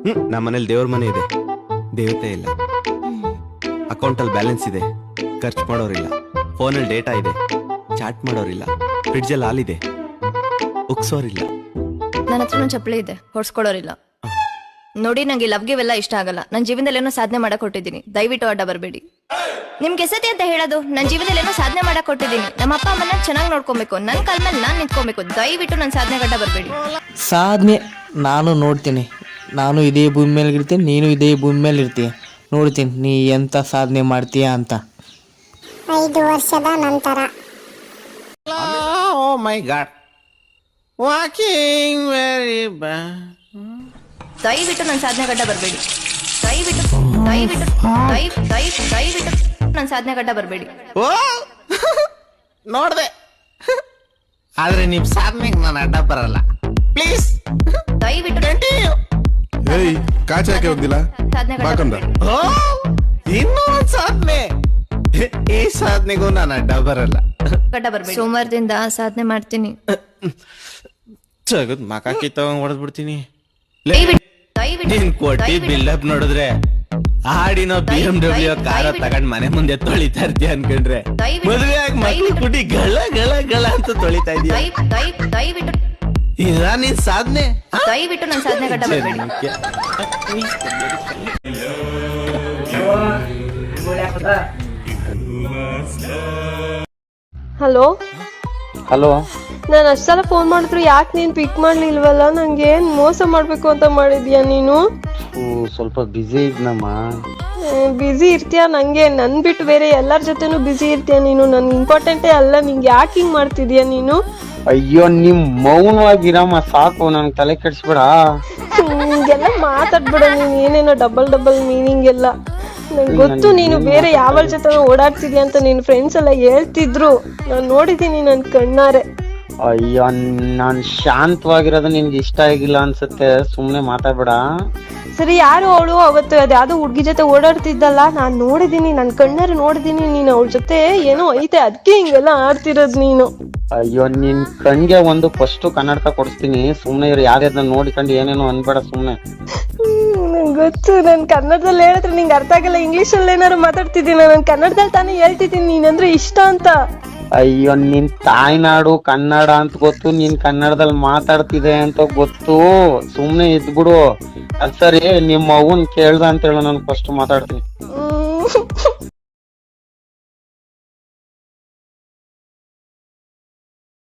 ನಮ್ಮನೇಲಿ ದೇವ್ರ ಮನೆ ಇದೆ, ದೇವತೆ ಇಲ್ಲ. ಅಕೌಂಟಲ್ಲಿ ಬ್ಯಾಲೆನ್ಸ್ ಇದೆ, ಖರ್ಚು ಮಾಡೋರಿಲ್ಲ. ಫೋನಲ್ಲಿ ಡೇಟಾ ಇದೆ, ಚಾಟ್ ಮಾಡೋರಿಲ್ಲ. ಫ್ರಿಡ್ಜಲ್ಲಿ ಹಾಲಿದೆ, ಉಕ್ಸೋರಿಲ್ಲ. ನನ್ನ ಹತ್ರ ಚಪ್ಪಲಿ ಇದೆ, ಹೊಡ್ಸ್ಕೊಳ್ಳೋರಿಲ್ಲ. ನೋಡಿ, ನಂಗೆ ಲವ್ ಗಿವ್ ಎಲ್ಲ ಇಷ್ಟ ಆಗಲ್ಲ. ನನ್ನ ಜೀವನದಲ್ಲಿ ಏನೋ ಸಾಧನೆ ಮಾಡಕ್ ಕೊಟ್ಟಿದ್ದೀನಿ, ದಯವಿಟ್ಟು ಅಡ್ಡ ಬರಬೇಡಿ. ನಿಮ್ಗೆ ಎಸತಿ ಅಂತ ಹೇಳೋದು, ನನ್ನ ಜೀವನದಲ್ಲಿ ಏನೋ ಸಾಧನೆ ಮಾಡಕ್ ಕೊಟ್ಟಿದ್ದೀನಿ. ನಮ್ಮ ಅಪ್ಪ ಅಮ್ಮನ ಚೆನ್ನಾಗಿ ನೋಡ್ಕೊಬೇಕು, ನನ್ನ ಕಾಲ ಮೇಲೆ ನಾನು ನಿಂತ್ಕೊಬೇಕು. ದಯವಿಟ್ಟು ನನ್ನ ಸಾಧನೆ ಗಡ್ಡ ಬರಬೇಡಿ. ಸಾಧನೆ ನಾನು ನೋಡ್ತೀನಿ. ನಾನು ಇದೇ ಭೂಮಿ ಮೇಲೆ ಇರ್ತೀನಿ, ನೀನು ಇದೇ ಭೂಮಿ ಮೇಲೆ ಇರ್ತೀಯ. ನೋಡ್ತೀನಿ ನೀ ಎಂತ ಸಾಧನೆ ಮಾಡ್ತೀಯ ಅಂತ. 5 ವರ್ಷದ ನಂತರ oh my God, walking very bad. ದಯವಿಟ್ಟು ನನ್ನ ಸಾಧನೆ ಗಡ್ಡ ಬರಬೇಡಿ. ದಯವಿಟ್ಟು ದಯವಿಟ್ಟು ದಯವಿಟ್ಟು ನನ್ನ ಸಾಧನೆ ಗಡ್ಡ ಬರಬೇಡಿ. ಓ ನೋಡ್ದೆ, ಆದ್ರೆ ನಿಮ್ ಸಾಧನೆಗೆ ನಾನು ಅಡ್ಡ ಬರಲ್ಲ. ಪ್ಲೀಸ್ ದಯವಿಟ್ಟು ಕಂಟಿನ್ಯೂ. ಏಯ್ ಕಾಚ ಯಾಕೆ ಹೋಗ್ದಿಲ್ಲ ಸಾಧನೆ ಗಡ್ಡ ಬಾಕಂದ ಬರಬೇಡಿ. ಓ ಇನ್ನೂ ಒಂದ್ ಸಾಧನೆ. ಈ ಸಾಧನೆಗೂ ನಾನು ಅಡ್ಡ ಬರಲ್ಲ. ಗಡ್ಡ ಬರಬೇಡಿ. ಸೋಮವಾರದಿಂದ ಸಾಧನೆ ಮಾಡ್ತೀನಿ. ಜಗದ್ ಮಕಾಕಿ ತಗೊಂಡ್ ಹೊಡೆದ್ಬಿಡ್ತೀನಿ. ನೀನ್ ಕೊಟ್ಟಿ ಬಿಲ್ಡಪ್ ನೋಡಿದ್ರೆ ಆಡಿನೋ BMW ಕಾರ ತಗೊಂಡ್ ಮನೆ ಮುಂದೆ ತೊಳಿತಾ ಇರ್ತೀಯ ಅನ್ಕೊಂಡ್ರೆ, ಮದುವೆ ಆಗಿ ಮಕ್ಳು ಕುಟಿ ಗಳ ಗಳ ಗಳ ಅಂತ ತೊಳಿತಾ ಇದೀಯ. ದಯವಿಟ್ಟು ಇದ ನೀನ್ ಸಾಧನೆ? ದಯವಿಟ್ಟು ನನ್ನ ಸಾಧನೆ ಗಡ್ಡ ಬರಬೇಡಿ. ಹಲೋ ಹಲೋ, ನಾನು ಅಷ್ಟೆಲ್ಲ ಫೋನ್ ಮಾಡಿದ್ರು ಯಾಕೆ ನೀನು ಪಿಕ್ ಮಾಡ್ಲಿಲ್ವಲ್ಲ? ನಂಗೆ ಏನ್ ಮೋಸ ಮಾಡ್ಬೇಕು ಅಂತ ಮಾಡಿದ್ಯಾ ನೀನು? ಸ್ವಲ್ಪ ಬ್ಯುಸಿ ಇದ್ನಮ್ಮ. ಬ್ಯುಸಿ ಇರ್ತೀಯ? ನಂಗೆ ನನ್ ಬಿಟ್ಟು ಬೇರೆ ಎಲ್ಲರ ಜೊತೆನೂ ಬ್ಯುಸಿ ಇರ್ತೀಯ ನೀನು. ನನ್ ಇಂಪಾರ್ಟೆಂಟೇ ಅಲ್ಲ, ನಿಂಗೆ ಯಾಕೆ ಹಿಂಗ್ ಮಾಡ್ತಿದ್ಯಾ ನೀನು? ಅಯ್ಯೋ, ನಿಮ್ ಮೌನವಾಗಿರಮ್ಮ ಸಾಕು, ನನ್ ತಲೆ ಕೆಡ್ಸ್ಬೇಡ. ಹಿಂಗೆಲ್ಲ ಮಾತಾಡ್ಬೇಡ ನೀನ್, ಏನೇನೋ ಡಬಲ್ ಮೀನಿಂಗ್ ಎಲ್ಲ. ನಂಗೆ ಗೊತ್ತು ನೀನು ಬೇರೆ ಯಾವ ಜೊತೆ ಓಡಾಡ್ತಿದ್ಯಾ ಅಂತ. ನಿನ್ ಫ್ರೆಂಡ್ಸ್ ಎಲ್ಲ ಹೇಳ್ತಿದ್ರು, ನಾನು ನೋಡಿದೀನಿ ನನ್ ಕಣ್ಣಾರೆ. ಅಯ್ಯೋ, ನಾನ್ ಶಾಂತವಾಗಿರೋದು ನಿನ್ಗೆ ಇಷ್ಟ ಆಗಿಲ್ಲ ಅನ್ಸುತ್ತೆ, ಸುಮ್ನೆ ಮಾತಾಡ್ಬೇಡ. ಸರಿ, ಯಾರು ಅವಳು? ಅವತ್ತು ಅದ್ಯಾವ್ದೋ ಹುಡ್ಗಿ ಜೊತೆ ಓಡಾಡ್ತಿದ್ದಲ್ಲ, ನಾನ್ ನೋಡಿದೀನಿ, ನನ್ ಕಣ್ಣಾರೆ ನೋಡಿದೀನಿ. ನೀನ್ ಅವಳ ಜೊತೆ ಏನೋ ಐತೆ, ಅದಕ್ಕೆ ಹಿಂಗೆಲ್ಲ ಆಡ್ತಿರೋದ್ ನೀನು. ಅಯ್ಯೋ, ನಿನ್ ಕಣ್ಗೆ ಒಂದು ಫಸ್ಟ್ ಕನ್ನಡಕ ಕೊಡಿಸ್ತೀನಿ, ಸುಮ್ನೆ ಇವ್ರು ಯಾರ್ಯಾರ ನೋಡಿಕೊಂಡು ಏನೇನೋ ಅನ್ಬೇಡ ಸುಮ್ನೆ. ನಂಗೆ ಗೊತ್ತು, ನನ್ ಕನ್ನಡದಲ್ಲಿ ಹೇಳಿದ್ರೆ ನಿಂಗೆ ಅರ್ಥ ಆಗಲ್ಲ. ಇಂಗ್ಲಿಷಲ್ಲಿ ಏನಾರು ಮಾತಾಡ್ತಿದ್ದೀನಿ, ನಾನು ಕನ್ನಡದಲ್ಲಿ ತಾನೇ ಹೇಳ್ತಿದ್ದೀನಿ ನೀನಂದ್ರೆ ಇಷ್ಟ ಅಂತ. ಅಯ್ಯೋ, ನಿನ್ ತಾಯ್ನಾಡು ಕನ್ನಡ ಅಂತ ಗೊತ್ತು, ನೀನ್ ಕನ್ನಡದಲ್ಲಿ ಮಾತಾಡ್ತಿದೆ ಅಂತ ಗೊತ್ತು, ಸುಮ್ನೆ ಇದ್ಬಿಡು. ಅದ್ ಸರಿ, ನಿಮ್ಮ ಅವ್ವನ್ ಕೇಳ್ದ ಅಂತ ಹೇಳು, ನಾನು ಫಸ್ಟ್ ಮಾತಾಡ್ತೀನಿ.